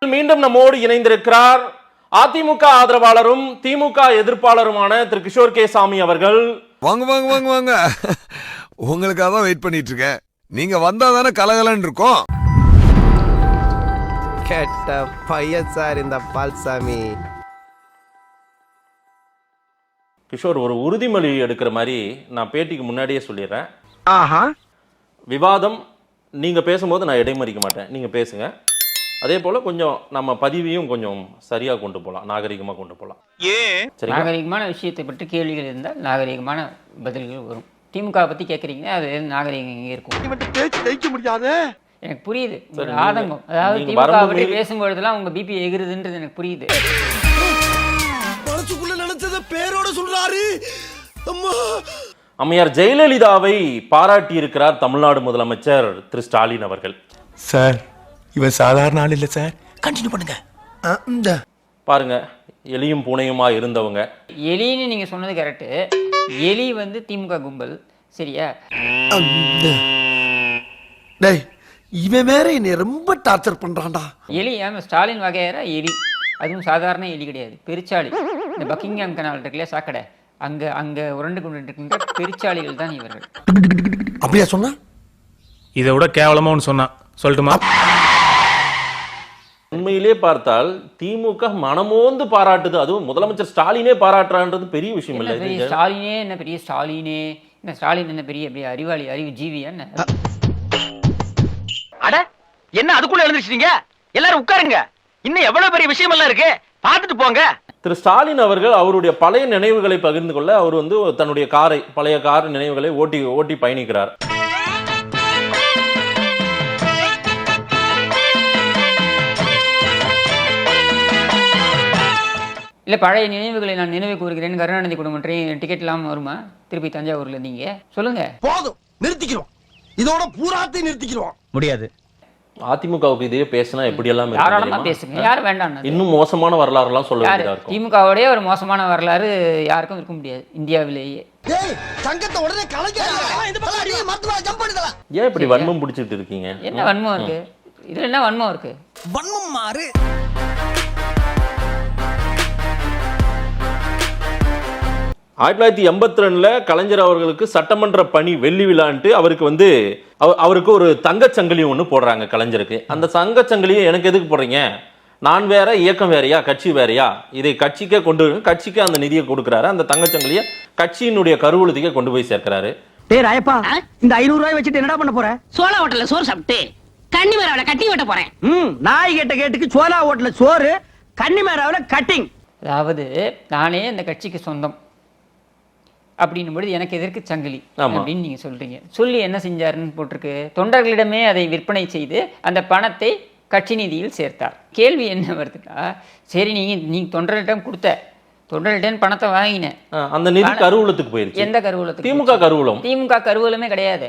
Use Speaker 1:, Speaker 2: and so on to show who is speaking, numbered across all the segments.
Speaker 1: மீண்டும் நம்மோடு இணைந்திருக்கிறார் அதிமுக ஆதரவாளரும் திமுக எதிர்ப்பாளருமான திரு கிஷோர் கே சாமி அவர்கள்.
Speaker 2: வாங்க வாங்க வாங்க வாங்க, உங்களுக்காக தான் வெயிட் பண்ணிட்டு இருக்கேன். நீங்க வந்தா தானே கலகலன்னு இருக்கும்.
Speaker 3: கேட்ட பையன் சார் இந்த பால்சாமி.
Speaker 1: கிஷோர், ஒரு உறுதிமொழி எடுக்கிற மாதிரி நான் பேட்டிக்கு முன்னாடியே சொல்லிடுறேன்.
Speaker 3: ஆஹா,
Speaker 1: விவாதம் நீங்க பேசும்போது நான் இடைமறிக்க மாட்டேன், நீங்க பேசுங்க. அதே போல கொஞ்சம் நம்ம பதிவையும் கொஞ்சம் சரியா கொண்டு போகலாம், நாகரிகமா கொண்டு போகலாம்.
Speaker 4: நாகரிகமான விஷயத்தை பற்றி கேள்விகள் இருந்தால் நாகரிகமான பதில்கள் வரும். திமுக பத்தி கேட்குறீங்க, அது நாகரிகம் இங்கே இருக்கும். எனக்கு புரியுது ஒரு ஆதங்கம். அதாவது திமுக பற்றி பேசும்பொழுதுலாம் உங்க பிபி எகிருதுன்றது எனக்கு புரியுது.
Speaker 2: பேரோட சொல்றாரு.
Speaker 1: அம்மையார் ஜெயலலிதாவை பாராட்டி இருக்கிறார் தமிழ்நாடு முதலமைச்சர் திரு ஸ்டாலின் அவர்கள்.
Speaker 5: சார், இவன் சாதாரண ஆள் இல்ல சார். கண்டினியூ பண்ணுங்க.
Speaker 1: பாருங்க, எலியும் பூனையுமா இருந்தவங்க.
Speaker 4: எலின்னு நீங்க சொன்னது கரெக்டு. எலி வந்து திமுக கும்பல், சரியா?
Speaker 6: டேய், இவன் வேற என்னை ரொம்ப டார்ச்சர் பண்றான்டா.
Speaker 4: எலி ஸ்டாலின் வகையற எலி, அதுவும் சாதாரண எலி கிடையாது, பெருச்சாளி. இந்த பக்கிங்ஹாம் கனால் இருக்குல்ல, சாக்கடை, அங்க அங்க உருண்டு கொண்டு இருக்கின்ற பெருச்சாளிகள் தான் இவர்கள்.
Speaker 6: அப்படியா சொன்னா?
Speaker 5: இதை விட கேவலமா ஒன்று சொன்னா சொல்லட்டுமா?
Speaker 1: உண்மையிலே பார்த்தால் திமுக மனமோந்து பாராட்டுது, அதுவும் முதலமைச்சர் ஸ்டாலினே பாராட்டுறான்றது பெரிய விஷயம் இல்லை.
Speaker 4: ஸ்டாலினே என்ன பெரிய ஸ்டாலினே, என்ன ஸ்டாலின் என்ன பெரிய அறிவாளி, அறிவு ஜீவியா என்ன?
Speaker 7: அட என்ன அதுக்குள்ள எழுந்திருச்சீங்க? எல்லாரும் உட்காருங்க, இன்னும் எவ்வளவு பெரிய விஷயம் எல்லாம் இருக்கு, பார்த்துட்டு போங்க.
Speaker 1: திரு ஸ்டாலின் அவர்கள் அவருடைய பழைய நினைவுகளை பகிர்ந்து கொள்ள அவர் வந்து தன்னுடைய காரை, பழைய கார் நினைவுகளை ஓட்டி ஓட்டி பயணிக்கிறார்.
Speaker 4: இல்லை, பழைய நினைவுகளை நான் நினைவு கூறுகிறேன். கருணாநிதி குடும்பம் டிக்கெட் இல்லாமல் வருமா திருப்பி தஞ்சாவூர்ல? நீங்க சொல்லுங்க.
Speaker 6: போதும், நிறுத்திக்கிறோம். இதோட பூராத்தை நிறுத்திக்கிறோம்.
Speaker 3: முடியாது.
Speaker 1: அதிமுகவுக்கு இதே பேசினா எப்படி எல்லாம்
Speaker 4: தாராளமா பேசுங்க, யாரும் வேண்டாம்.
Speaker 1: இன்னும் மோசமான வரலாறு எல்லாம் சொல்ல வேண்டியதா இருக்கும்.
Speaker 4: திமுகவுடைய ஒரு மோசமான வரலாறு யாருக்கும் இருக்க முடியாது இந்தியாவிலேயே.
Speaker 6: சங்கத்தை உடனே
Speaker 1: ஏன் இப்படி வன்மம் பிடிச்சிட்டு இருக்கீங்க?
Speaker 4: என்ன வன்மம் இருக்கு இதுல? என்ன வன்மம் இருக்கு?
Speaker 6: வன்மம் மாறு.
Speaker 1: 1982 கலைஞர் அவர்களுக்கு சட்டமன்ற பணி வெள்ளி விழான்ட்டு அவருக்கு ஒரு தங்கச்சங்கிலி ஒன்று போடுறாங்க கலைஞருக்கு. அந்த தங்கச்சங்கிலியை எனக்கு எதுக்கு போடுறீங்க? நான் வேற, இயக்கம் வேறையா, கட்சி வேறையா? இதை கட்சிக்கே கட்சிக்கு அந்த நிதியை கொடுக்குறாரு. அந்த தங்கச்சங்கிலியை கட்சியினுடைய கருவூலத்துக்கே கொண்டு போய் சேர்க்கிறாரு.
Speaker 7: டேய் ராயப்பா, இந்த 500 ரூபாய் வச்சுட்டு என்னடா பண்ண போற?
Speaker 8: சோளா ஹோட்டல்ல சோறு சாப்பிட்டு கன்னி மேராவில கட்டி வெட்ட போறேன்.
Speaker 7: நாய் கேட்டுக்கு சோளா ஹோட்டல்ல சோறு, கன்னி மேராவில கட்டிங்.
Speaker 4: அதாவது நானே இந்த கட்சிக்கு சொந்தம் அப்படின்னும் பொழுது எனக்கு எதற்கு சங்கிலி அப்படின்னு நீங்க சொல்றீங்க. சொல்லி என்ன செஞ்சாருன்னு போட்டிருக்கு, தொண்டர்களிடமே அதை விற்பனை செய்து அந்த பணத்தை கட்சி நிதியில் சேர்த்தார். கேள்வி என்ன வருதுன்னா, சரி நீங்க தொண்டர்களிடம் கொடுத்த, தொண்டர்களிடம் பணத்தை வாங்கினேன்,
Speaker 1: அந்த நிதி கருவூலத்துக்கு போயிருச்சு.
Speaker 4: எந்த கருவூலத்துக்கு?
Speaker 1: திமுக கருவூலம்.
Speaker 4: திமுக கருவூலமே கிடையாது.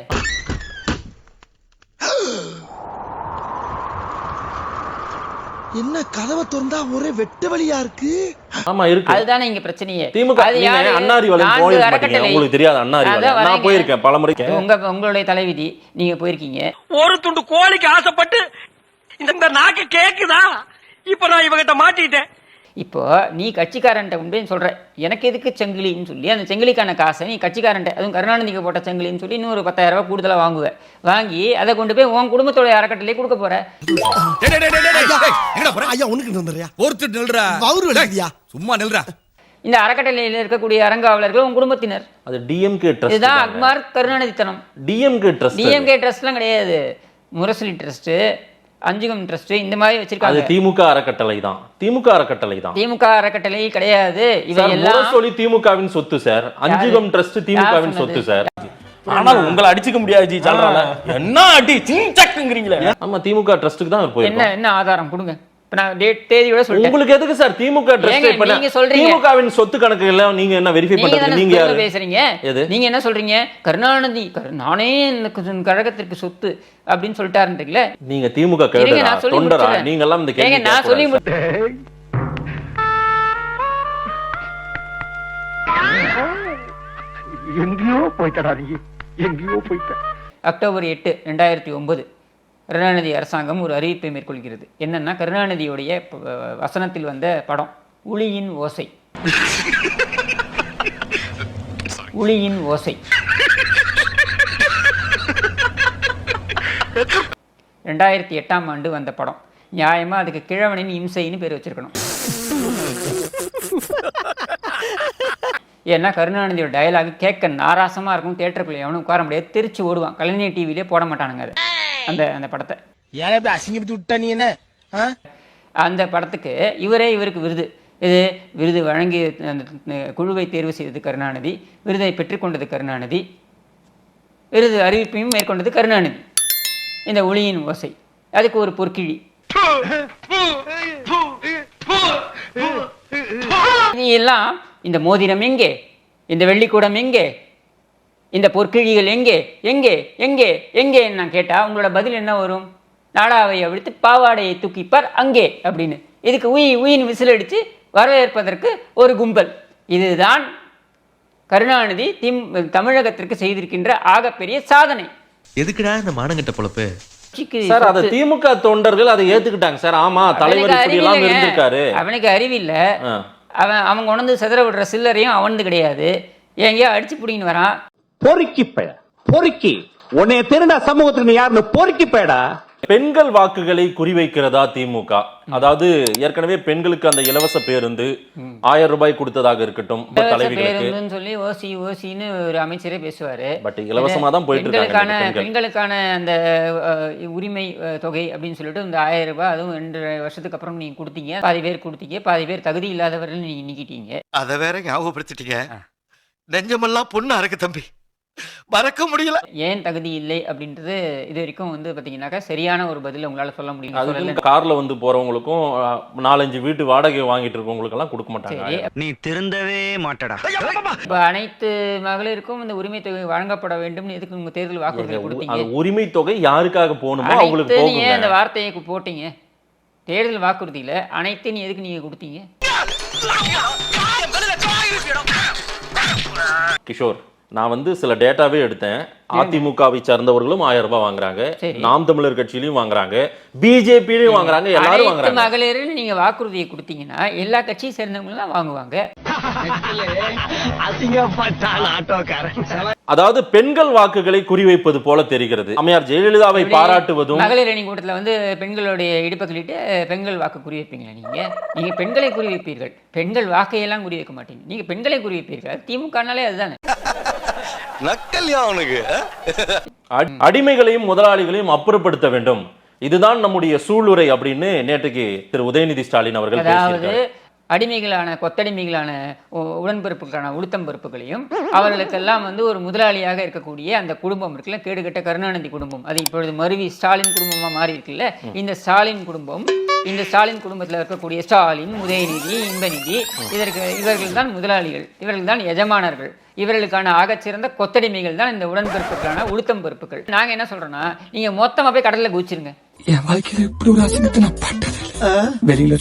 Speaker 6: என்ன கதவை திறந்தா ஒரே வெட்டு வழியா இருக்கு.
Speaker 1: ஆமா இருக்கு.
Speaker 4: அதுதானே இங்க பிரச்சனையே.
Speaker 1: திமுக அண்ணாரி வளையம் போயிருக்கீங்க, உங்களுக்கு தெரியாது? அண்ணாரி வளையம் நான் போயிருக்கேன் பலமுறை.
Speaker 4: உங்களுடைய தலைவிதி, நீங்க போயிருக்கீங்க.
Speaker 7: ஒரு துண்டு கோழிக்கு ஆசைப்பட்டு இந்த நாக்கு கேக்குதா? இப்ப நான் இவகிட்ட மாட்டிட்டேன்.
Speaker 4: இப்போ நீ கட்சிக்காரன்ட்ட உண்டு சொல்ற, எனக்கு எதுக்கு செங்கிலின்னு சொல்லி அந்த செங்கிலிக்கான காசை நீ கட்சிக்காரன்ட்ட, அதுவும் கருணாநிதிக்கு போட்ட செங்கிலின்னு சொல்லி இன்னொரு 10,000 ரூபாய் கூடுதலா வாங்குவ. வாங்கி அதை கொண்டு போய் உன் குடும்பத்தோட அறக்கட்டளையே கொடுக்க போற.
Speaker 2: சும்மா நில்றா.
Speaker 4: இந்த அறக்கட்டளையில் இருக்கக்கூடிய அறங்காவலர்கள் உன் குடும்பத்தினர்.
Speaker 1: அது டிஎம்கே ட்ரஸ்ட்.
Speaker 4: இதுதான் அக்மார் கருணாநிதித்தனம்.
Speaker 1: டிஎம்கே ட்ரஸ்ட்.
Speaker 4: டிஎம்கே ட்ரஸ்ட்லாம் கிடையாது. முரசொலி ட்ரஸ்ட், அஞ்சுகம் ட்ரஸ்ட், இந்த மாதிரி வச்சிருக்காங்க.
Speaker 1: திமுக அறக்கட்டளை தான். திமுக அறக்கட்டளை தான்.
Speaker 4: திமுக அறக்கட்டளை கிடையாது. இவையெல்லாம்
Speaker 1: முரசொலி திமுகவின் சொத்து சார். அஞ்சுகம் ட்ரஸ்ட் திமுகவின் சொத்து சார். ஆனால் உங்களை அடிச்சுக்க முடியாது ஜி. சொல்றாங்க என்ன அடி சிங்சக்குங்கறீங்களே. ஆமா, திமுக ட்ரஸ்ட்க்கு தான் போயிருக்கோம்.
Speaker 4: என்ன ஆதாரம் கொடுங்க. இப்ப நான் தேதியோட சொல்றேன்.
Speaker 1: உங்களுக்கு எதுக்கு சார் திமுக ட்ரஸ்ட்? இப்ப
Speaker 4: நீங்க சொல்றீங்க
Speaker 1: திமுகவின் சொத்து கணக்கு எல்லாம் நீங்க என்ன வெரிஃபை பண்றீங்க? நீங்க யாரு
Speaker 4: பேசுறீங்க? நீங்க என்ன சொல்றீங்க? கருணாநிதி நானே கழகத்திற்கு சொத்து அப்படின்னு சொல்லிட்டாருன்றீங்களே.
Speaker 1: நீங்க திமுக கேடரா தொண்டரா? நீங்க எல்லாம் இந்த கேள்வி
Speaker 4: நான் சொல்லி
Speaker 7: எங்கேயோ போய்ட்டடா நீ, எங்கேயோ போய்ட்ட.
Speaker 4: அக்டோபர் 8, 2009 கருணாநிதி அரசாங்கம் ஒரு அறிவிப்பை மேற்கொள்கிறது. என்னன்னா, கருணாநிதியுடைய வசனத்தில் வந்த படம் உளியின் ஓசை. உளியின் ஓசை 2008ஆம் ஆண்டு வந்த படம். நியாயமா அதுக்கு கிழவனின் இம்சைன்னு பேர் வச்சிருக்கணும். ஏன்னா கருணாநிதியோட டயலாக் கேட்க நாராசமா இருக்கும். தியேட்டருக்குள்ள எவனும் உட்கார முடியாது, திருச்சி ஓடுவான். கலைஞர் டிவிலே போட மாட்டானுங்க அதை, அந்த படத்தை.
Speaker 6: ஏன் அசிங்கப்பட்டு விட்டா நீ என்ன?
Speaker 4: அந்த படத்துக்கு இவருக்கு விருது வழங்கி அந்த குழுவை தேர்வு செய்தது கருணாநிதி, விருதை பெற்றுக்கொண்டது கருணாநிதி, விருது அறிவிப்பையும் மேற்கொண்டது கருணாநிதி. இந்த ஒளியின் ஓசை அதுக்கு ஒரு பொற்கிழி. நீ எல்லாம் இந்த மோதிரம் எங்கே, இந்த வெள்ளிக்கூடம் எங்கே, இந்த பொற்கிழிகள் எங்கே எங்கே எங்கே எங்கே நான் கேட்டா உங்களோட பதில் என்ன வரும்? நாடாவை அவிழ்த்து பாவாடையை தூக்கிப்பார் அங்கே அப்படின்னு. இதுக்கு உயின் விசில் அடித்து வரவேற்பதற்கு ஒரு கும்பல். இதுதான் கருணாநிதி தமிழகத்திற்கு செய்திருக்கின்ற ஆகப்பெரிய சாதனை.
Speaker 9: எதுக்குடா இந்த மானங்கட்ட பொழப்பு?
Speaker 1: சார், அதை திமுக தொண்டர்கள் அதை ஏத்துக்கிட்டாங்க சார். ஆமா, தலைவர் இப்படி எல்லாம் இருந்திருக்காரு.
Speaker 4: அவனுக்கு அறிவில்ல. அவங்க உணர்ந்து செதற விடுற சில்லறையும் அவனது கிடையாது. எங்கேயோ அடிச்சு பிடின்னு வரான்.
Speaker 7: பொறுக்கி உன்னைய திருடா சமூகத்துக்கு யாருன்னு பொறுக்கி பேடா.
Speaker 1: பெண்கள் வாக்குகளை குறிவைக்கிறதா திமுக? அதாவது ஏற்கனவே பெண்களுக்கு அந்த இலவச பேருந்து 1000 ரூபாய் கொடுத்ததாக இருக்கட்டும், தலைவிகளுக்கு
Speaker 4: சொல்லி ஓசின்னு ஒரு அமைச்சரே பேசுவாரு.
Speaker 1: பட் இலவசமா தான் போயிட்டு இருக்காங்க.
Speaker 4: பெண்களுக்கான அந்த உரிமை தொகை அப்படின்னு சொல்லிட்டு இந்த 1000 ரூபாய், அதுவும் 2 வருஷத்துக்கு அப்புறம் நீங்க கொடுத்தீங்க. பாதி பேர் கொடுத்தீங்க, பாதி பேர் தகுதி இல்லாதவர்கள் நீங்க நீக்கிட்டீங்க.
Speaker 9: அத வேற ஞாபகப்படுத்திட்டீங்க. நெஞ்சமெல்லாம் பொண்ணா இருக்கு தம்பி, மறக்க முடியல.
Speaker 4: ஏன் தகுதி இல்லை அப்படின்றது இது வரைக்கும் பாத்தீங்கன்னாக்கா சரியான ஒரு பதில் உங்களால சொல்ல முடியும்.
Speaker 1: கார்ல போறவங்களுக்கும் 4-5 வீட்டு வாடகை வாங்கிட்டு இருக்கவங்களுக்கு எல்லாம் கொடுக்க மாட்டாங்க.
Speaker 7: நீ திருந்தவே மாட்டடா.
Speaker 4: அனைத்து மகளிருக்கும் இந்த உரிமை தொகை வழங்கப்பட வேண்டும். எதுக்கு உங்க தேர்தல் வாக்குறுதி கொடுத்தீங்க?
Speaker 1: உரிமை தொகை யாருக்காக போகணுமோ அவங்களுக்கு போகுங்க.
Speaker 4: அந்த வார்த்தையை போட்டீங்க தேர்தல் வாக்குறுதியில. அனைத்து எதுக்கு நீங்க கொடுத்தீங்க?
Speaker 1: கிஷோர், நான் சில டேட்டாவே எடுத்தேன். அதிமுகவை சார்ந்தவர்களும் 1000 ரூபாய் வாங்குறாங்க, நாம் தமிழர் கட்சியிலயும் வாங்குறாங்க, பிஜேபியிலயும் வாங்குறாங்க, எல்லாரும் வாங்குறாங்க.
Speaker 4: மகளிர் நீங்க வாக்குறுதியை கொடுத்தீங்கன்னா எல்லா கட்சியும் சேர்ந்தவங்க தான் வாங்குவாங்க.
Speaker 1: அதாவது பெண்கள் வாக்குகளை குறிவைப்பது போல தெரிகிறது. அம்மையார் ஜெயலலிதாவை பாராட்டுவதும்.
Speaker 4: மகளிர் அணி கூட்டத்தில் பெண்களுடைய இடுப்பக்களிட்டு பெண்கள் வாக்கு குறிவைப்பீங்களா? நீங்க பெண்களை குறிவைப்பீர்கள், பெண்கள் வாக்கையெல்லாம் குறிவைக்க மாட்டீங்க. நீங்க பெண்களை குறிவைப்பீர்கள். திமுகனாலே அதுதானே.
Speaker 1: அடிமைகளையும் முதலாளிகளையும் அப்புறப்படுத்த வேண்டும், இதுதான் நம்முடைய சூளுரை அப்படின்னு நேற்றுக்கு திரு உதயநிதி ஸ்டாலின் அவர்கள் பேசியிருக்காங்க.
Speaker 4: அடிமைகளான கொத்தடிமைகளான உடன்பொறுப்புகளான உளுத்தம்பொறுப்புகளையும் அவர்களுக்கெல்லாம் ஒரு முதலாளியாக இருக்கக்கூடிய அந்த குடும்பம் இருக்குல்ல, கேடுகட்ட கருணாநிதி குடும்பம், அது இப்பொழுது மருவி ஸ்டாலின் குடும்பமா மாறி இருக்குல்ல. இந்த ஸ்டாலின் குடும்பம், இந்த ஸ்டாலின் குடும்பத்தில் இருக்கக்கூடிய ஸ்டாலின், உதயநிதி, இன்பநிதி, இவர்கள் தான் முதலாளிகள், இவர்கள் தான் எஜமானர்கள். இவர்களுக்கான ஆகச்சிறந்த கொத்தடிமைகள் தான் இந்த உடன்பொறுப்புகளான உளுத்தம் பொறுப்புகள். நாங்க என்ன சொல்றோம்னா, நீங்க மொத்தமா போய் கடல்ல குதிச்சிருங்க.
Speaker 5: என் வாழ்க்கையில இப்படி ஒரு அசிங்கத்தை நான் பட்டது வெளியில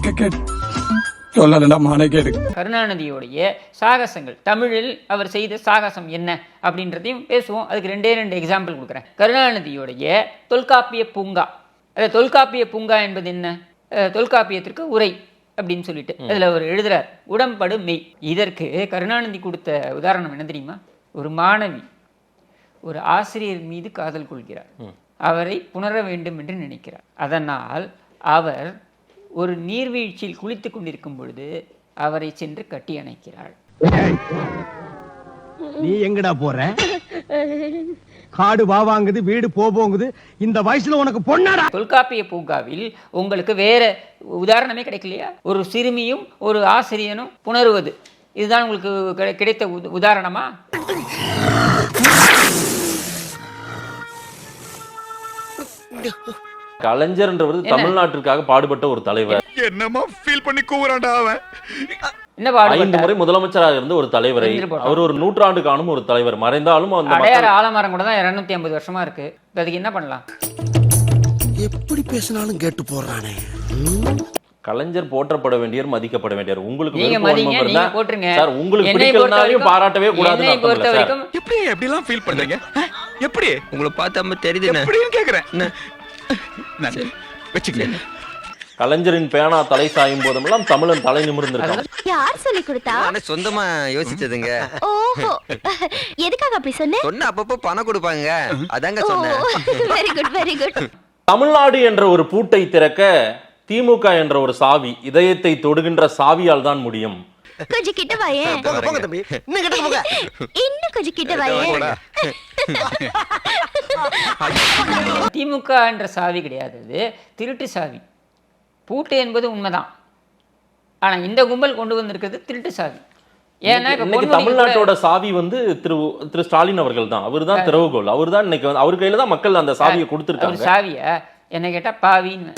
Speaker 5: சொன்ன
Speaker 4: கருணாநிதியோடைய சாகசங்கள், தமிழில் அவர் செய்த சாகசம் என்ன அப்படின்றதையும் பேசுவோம். அதுக்கு 2 எக்ஸாம்பிள் கொடுக்குறேன். கருணாநிதியோடைய தொல்காப்பிய பூங்கா. அது தொல்காப்பிய பூங்கா என்பது என்ன? தொல்காப்பியத்திற்கு உரை அப்படின்னு சொல்லிட்டு அதுல அவர் எழுதுறார், உடம்படு மெய். இதற்கு கருணாநிதி கொடுத்த உதாரணம் என்ன தெரியுமா? ஒரு மாணவி ஒரு ஆசிரியர் மீது காதல் கொள்கிறார், அவரை புணர வேண்டும் என்று நினைக்கிறார். அதனால் அவர் ஒரு நீர்வீழ்ச்சியில் குளித்துக் கொண்டிருக்கும் பொழுது அவரை சென்று கட்டி அணைக்கிறாள்.
Speaker 6: நீ எங்கடா போற? காடு வாங்குது, வீடு போகுது, இந்த வயசுல உனக்கு பொண்ணாடா?
Speaker 4: தொல்காப்பிய பூங்காவில் உங்களுக்கு வேற உதாரணமே கிடைக்கலையா? ஒரு சிறுமியும் ஒரு ஆசிரியனும் புணருவது, இதுதான் உங்களுக்கு கிடைத்த உதாரணமா?
Speaker 1: கலைஞர்ன்றவர் தமிழ்நாட்டிற்காக பாடுபட்ட ஒரு தலைவர்.
Speaker 2: என்னமா ஃபீல் பண்ணி கூவுறான்டா அவன்.
Speaker 4: என்ன பாடுபட்டார்?
Speaker 1: 5 முறை முதலமைச்சராக இருந்த ஒரு தலைவரை, அவர் ஒரு நூற்றாண்டு காணும் ஒரு தலைவர். மறைந்தாலும் அந்த
Speaker 4: அடையாறு ஆலமரம் கூட தான் 250 வருஷமா இருக்கு. அதுக்கு என்ன பண்ணலாம்?
Speaker 6: எப்படி பேசினாலும் கேட்டு போறானே.
Speaker 1: கலைஞர் போற்றப்பட வேண்டியவர், மதிக்கப்பட வேண்டியவர். உங்களுக்கு
Speaker 4: நீங்க மதிங்க, நீங்க போட்ருங்க
Speaker 1: சார். உங்களுக்கு பிடிக்கலனாலும் பாராட்டவே கூடாது.
Speaker 4: என்னை பொறுத்த வரைக்கும்
Speaker 2: எப்படி எல்லாம் ஃபீல் பண்றீங்க? எப்படி
Speaker 9: உங்களை பார்த்தா தெரியுது
Speaker 2: எப்படின்னு கேக்குறேன்.
Speaker 5: வச்சுக்கங்க.
Speaker 1: கலைஞரின் பேனா தலை சாயும் போதெல்லாம் தமிழன் தலை நிமிர்ந்திருக்கான்.
Speaker 10: யார் சொல்லி கொடுத்தா?
Speaker 3: நானே சொந்தமா யோசிச்சதுங்க.
Speaker 10: ஓஹோ, எதுக்காக அப்படி சொன்ன?
Speaker 3: சொன்ன அப்பப்போ பணம் கொடுப்பாங்க, அதாங்க சொன்னேன்.
Speaker 10: Very good very good.
Speaker 1: Tamil Nadu என்ற ஒரு பூட்டை திறக்க திமுக என்ற ஒரு சாவி, இதயத்தை தொடுகின்ற சாவியால் தான் முடியும்.
Speaker 10: கொஞ்சம் கிட்ட வாயே.
Speaker 3: போங்க தம்பி, இன்னும் கிட்ட போங்க.
Speaker 10: இன்னும் கொஞ்சம் கிட்ட வாயே.
Speaker 4: திமுக என்ற சாவி கிடையாது, அது திருட்டு சாவி. பூட்டு என்பது உண்மைதான், ஆனா இந்த கும்பல் கொண்டு வந்திருக்கிறது திருட்டு சாவி. ஏன்னா இப்ப
Speaker 1: இன்னைக்கு
Speaker 4: பொன்முடி
Speaker 1: தமிழ்நாட்டோட சாவி வந்து திரு ஸ்டாலின் அவர்கள் தான். அவர் தான் திறவுகோல். அவர் தான் இன்னைக்கு வந்து அவர் கையில தான் மக்கள் அந்த சாவியை
Speaker 4: ஒரு
Speaker 1: கொடுத்திருக்காங்க.
Speaker 4: சாவிய என்ன கேட்டா பாவின்னு.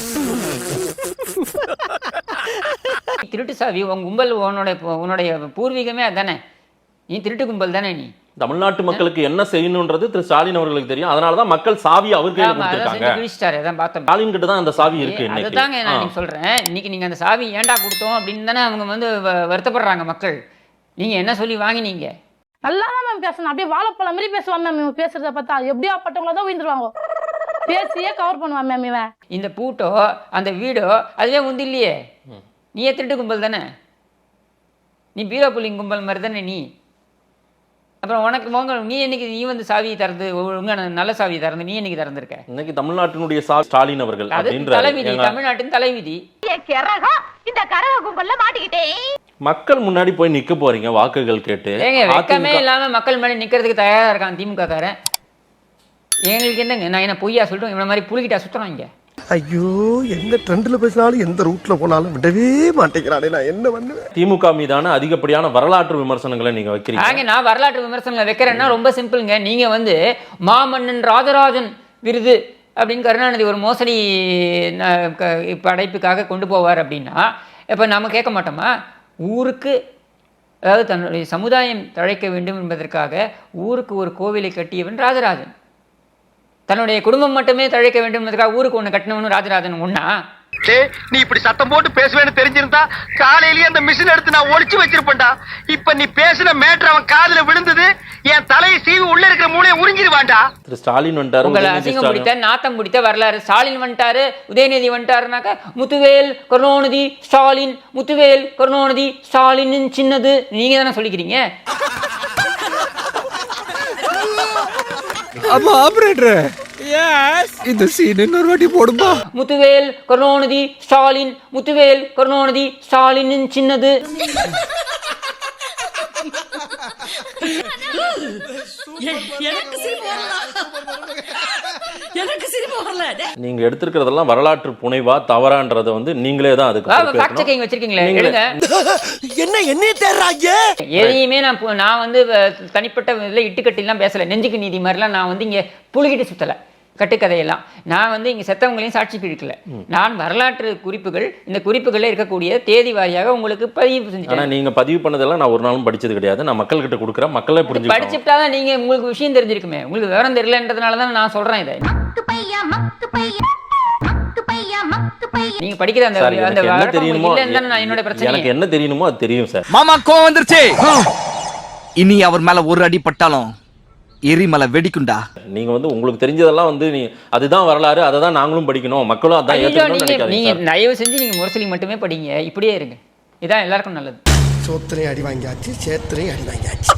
Speaker 4: திருட்டு சாவி உன் கும்பல், உன்னுடைய பூர்வீகமே அதானே, நீ திருட்டு கும்பல் தானே நீ.
Speaker 1: தமிழ்நாட்டு மக்களுக்கு என்ன செய்யணும்ன்றது திரு ஸ்டாலின் அவர்களுக்கு தெரியும். அதனாலதான் மக்கள் சாவி அவர் கையில கொடுத்திருக்காங்க. ஸ்டாலின் கிட்ட தான் அந்த சாவி இருக்கு.
Speaker 4: அதுதாங்க நான் சொல்றேன், இன்னைக்கு நீங்க அந்த சாவி ஏன்டா கொடுத்தோம் அப்படின்னு தானே அவங்க வந்து வருத்தப்படுறாங்க மக்கள். நீங்க என்ன சொல்லி வாங்கினீங்க?
Speaker 10: நல்லா தான் மேம் பேசணும், அப்படியே வாழைப்பழம் மாதிரி பேசுவான் மேம். இவன் பேசுறத பார்த்தா எப்படியா பட்டவங்கள தான் விழுந்துருவாங்க, பேசியே கவர் பண்ணுவான் மேம் இவன்.
Speaker 4: இந்த பூட்டோ அந்த வீடோ அதுவே உந்து இல்லையே, நீயே திருட்டு கும்பல் தானே, நீ பீரோ புள்ளிங் கும்பல் மாதிரி தானே நீ. அப்புறம் உனக்கு நீ என்னைக்கு நீ வந்து சாவியை திறந்து ஒழுங்கான நல்ல சாவியை திறந்து நீ என்னைக்கு திறந்திருக்க?
Speaker 1: இன்னைக்கு தமிழ்நாட்டினுடைய சாவி ஸ்டாலின் அவர்கள்.
Speaker 4: அது தலைவிதி, தமிழ்நாட்டின் தலைவிதி.
Speaker 10: இந்த கரக கும்பல்ல மாட்டிக்கிட்டேன்.
Speaker 1: மக்கள் முன்னாடி போய் நிக்க போறீங்க வாக்குகள் கேட்டு.
Speaker 4: வெக்கமே இல்லாம மக்கள் முன்னாடி நிக்கிறதுக்கு தயாரா இருக்கான் திமுக காரன். எங்களுக்கு என்னங்க, நான் என்ன பொய்யா சொல்லிட்டு இவன மாதிரி புளிக்கிட்டா சுத்தணும் இங்க.
Speaker 6: ஐயோ, எந்த ட்ரெண்ட்ல பேசினாலும் எந்த ரூட்ல போனாலும் விடவே மாட்டேங்கிறானே, நான் என்ன பண்ணுவேன்?
Speaker 1: திமுக மீதான அதிகப்படியான வரலாற்று விமர்சனங்களை நீங்க வைக்கிறீங்க.
Speaker 4: நான் வரலாற்று விமர்சனங்களை வைக்கிறேன்னா ரொம்ப சிம்பிளுங்க. நீங்க வந்து மாமன்னன் ராஜராஜன் விருது அப்படின்னு கருணாநிதி ஒரு மோசடி படைப்புக்காக கொண்டு போவார் அப்படின்னா இப்ப நம்ம கேட்க மாட்டோமா? ஊருக்கு, அதாவது தன்னுடைய சமுதாயம் தழைக்க வேண்டும் என்பதற்காக ஊருக்கு ஒரு கோவிலை கட்டியவன் ராஜராஜன். தன்னுடைய குடும்பம் மட்டுமே தழைக்க வேண்டும் என்பதற்காக ஊருக்கு ஒண்ணு கட்டினவனு ராஜராஜன் ஒண்ணா?
Speaker 7: நீ இப்படி சத்தம் போட்டு பேசுவேன்னு தெரிஞ்சிருந்தா காலையிலேயே அந்த மிஷின் எடுத்து நான் ஒளிச்சு வச்சிருப்பேன்டா. இப்ப நீ பேசின மேட்டர் அவன் காதுல விழுந்தது, என் தலையை சீவி உள்ள இருக்கிற மூளையை உறிஞ்சிருவான்டா.
Speaker 1: திரு ஸ்டாலின் வந்துட்டாரு,
Speaker 4: உங்களை அசிங்கம் பிடித்த நாத்தம் பிடித்த வரலாறு. ஸ்டாலின் வந்துட்டாரு, உதயநிதி வந்துட்டாருனாக்க முத்துவேல் கருணாநிதி ஸ்டாலின், முத்துவேல் கருணாநிதி ஸ்டாலின் சின்னது நீங்க தானே சொல்லிக்கிறீங்க.
Speaker 2: ஆமா ஆபரேட்டர், இந்த சீன் இன்னொரு வாட்டி போடுமா?
Speaker 4: முத்துவேல் கருணாநிதி ஸ்டாலின், முத்துவேல் கருணாநிதி ஸ்டாலின் சின்னது.
Speaker 1: நீங்க எடுத்திருக்கிறதெல்லாம் வரலாற்று புனைவா தவறான்றத வந்து நீங்களே தான் அதுக்கு
Speaker 4: ஃபேக்ட் செக்கிங் வச்சிருக்கீங்களே, எடுங்க.
Speaker 6: என்ன தேடுறாங்க?
Speaker 4: எதையுமே நான் வந்து தனிப்பட்ட இதில் இட்டுக்கட்டிலாம் பேசல, நெஞ்சுக்கு நீதி மாதிரிலாம் நான் வந்து இங்க புழுகிட்டு சுத்தல கட்டுக்கதையெல்லாம். நான் வந்து இங்க செத்தவங்களையும் சாட்சிக்கு இழுக்கல. நான் வரலாற்று குறிப்புகள், இந்த குறிப்புகளில் இருக்கக்கூடிய தேதி வாரியாக உங்களுக்கு பதிவு செஞ்சேன்.
Speaker 1: ஆனா நீங்க பதிவு பண்ணதெல்லாம் நான் ஒரு நாளும் படிச்சது கிடையாது. நான் மக்கள் கிட்ட கொடுக்குறேன், மக்களே புரிஞ்சு
Speaker 4: படிச்சுட்டாதான் நீங்க உங்களுக்கு விஷயம் தெரிஞ்சிருக்குமே. உங்களுக்கு விவரம் தெரியலன்றதுனால தான் நான் சொல்றேன் இதை. நீங்க படிக்கிற அந்த
Speaker 1: என்ன தெரியுமோ,
Speaker 4: நான் என்னோட பிரச்சனை
Speaker 1: எனக்கு என்ன தெரியணுமோ அது தெரியும் சார்.
Speaker 7: மாமா கோவம் வந்துருச்சு. இனி அவர் மேல ஒரு அடி பட்டாலும் எரிமலை வெடிக்குண்டா.
Speaker 1: நீங்க வந்து உங்களுக்கு தெரிஞ்சதெல்லாம் வந்து நீ அதுதான் வரலாறு, அதை தான் நாங்களும் படிக்கணும், மக்களும் அதான் ஏத்துக்கணும்னு நினைக்காதீங்க.
Speaker 4: நீங்க தயவு செஞ்சு நீங்க முரசொலி மட்டுமே படிங்க, இப்படியே இருங்க. இதான் எல்லாருக்கும் நல்லது.
Speaker 6: சோத்திரையும் அடி வாங்கியாச்சு, சேத்திரையும் அடி வாங்கியாச்சு.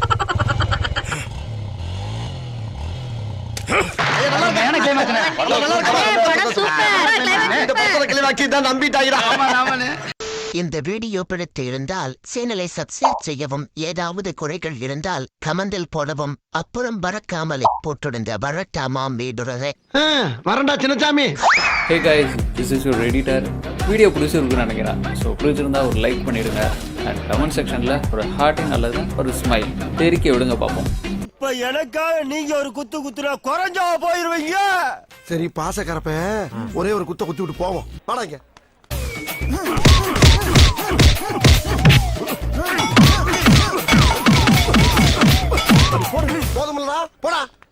Speaker 3: இந்த வீடியோ பிடித்து இருந்தால் சேனலை சப்ஸ்கிரைப் செய்யவும், ஏதாவது குறைகள் இருந்தால் கமெண்டில் போடவும், அப்புறம் பறக்காமலே போட்டிருந்த வரட்டாமாம் வீடுறதை
Speaker 6: வரண்டா Chinnasamy.
Speaker 11: Hey guys, this is your editor. Video பிடிச்சிருக்குன்னு நினைக்கிறேன். ஸோ பிடிச்சிருந்தா ஒரு லைக் பண்ணிடுங்க, அண்ட் கமெண்ட் செக்ஷனில் ஒரு ஹார்ட்டிங் அல்லது ஒரு ஸ்மைல் தெரிக்க விடுங்க பார்ப்போம்.
Speaker 6: இப்ப எனக்காக நீங்க ஒரு குத்து குத்துனா குறைஞ்சா போயிருவீங்க. சரி பாசக்கரப்ப ஒரே ஒரு குத்த குத்தி விட்டு போவோம். வாடாங்க. போதுமில்லடா, போடா.